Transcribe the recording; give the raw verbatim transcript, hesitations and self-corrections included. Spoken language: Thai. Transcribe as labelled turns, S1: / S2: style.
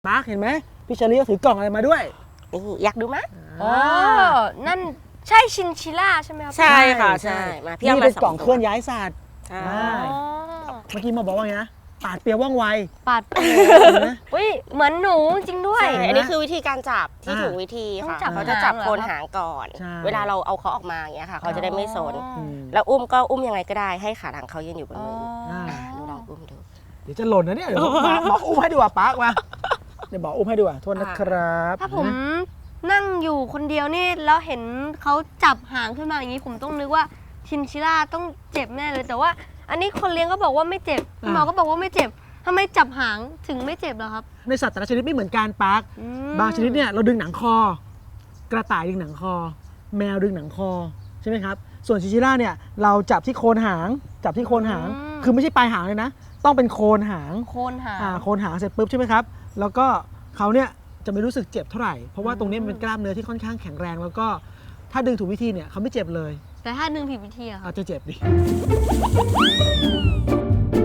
S1: มาร์คเห็นไหมพี่เชอรี่ก็ถือกล่องอะไรมาด้วย
S2: นี่อยากดูไหม
S3: อ๋อนั่นใช่ชินชิล่าใช่ไหมครับ
S2: ใช่ค่ะใช่มาพี่เอามา
S1: นี่เป็นกล่องเคลื่อนย้ายสัตว์
S2: ใช่
S1: เมื่อกี้มาบอกว่าไงนะปาดเปรียวว่องไว
S3: ปาดอุ้ยเหมือนหนูจริงด้วย
S2: อันนี้คือวิธีการจับที่ถูกวิธีค่ะเขาจะจับโคนหางก่อนเวลาเราเอาเขาออกมาอย่างเงี้ยค่ะเขาจะได้ไม่สนแล้วอุ้มก็อุ้มยังไงก็ได้ให้ขาหลังเขายืนอยู่บนมือหนูลองอุ้มดู
S1: เดี๋ยวจะหล่นนะเนี่ยเดี๋ยวบอกอุ้มให้ดีกว่าปาร์คมาเดี๋ยวบอกอุ้มให้ดีกว่าโทษนะครับ
S3: ถ้าผมนั่งอยู่คนเดียวนี่แล้วเห็นเขาจับหางขึ้นมาอย่างนี้ผมต้องนึกว่าชินชิล่าต้องเจ็บแน่เลยแต่ว่าอันนี้คนเลี้ยงก็บอกว่าไม่เจ็บหมอก็บอกว่าไม่เจ็บทำไมจับหางถึงไม่เจ็บล่ะครับ
S1: ในสัตว์แต่ละชนิดไม่เหมือนกันปาร์คบางชนิดเนี่ยเราดึงหนังคอกระต่ายดึงหนังคอแมวดึงหนังคอใช่ไหมครับส่วนชินชิล่าเนี่ยเราจับที่โคนหางจับที่โคนหางคือไม่ใช่ปลายหางเลยนะต้องเป็นโคนหาง
S3: โคนหาง
S1: อ่าโคนหางเสร็จปุ๊บใช่ไหมครับแล้วก็เขาเนี่ยจะไม่รู้สึกเจ็บเท่าไหร่เพราะว่าตรงนี้มันเป็นกล้ามเนื้อที่ค่อนข้างแข็งแรงแล้วก็ถ้าดึงถูกวิธีเนี่ยเขาไม่เจ็บเลย
S3: แต่ถ้าดึงผิดวิธีอะ
S1: อาจจะเจ็บดิ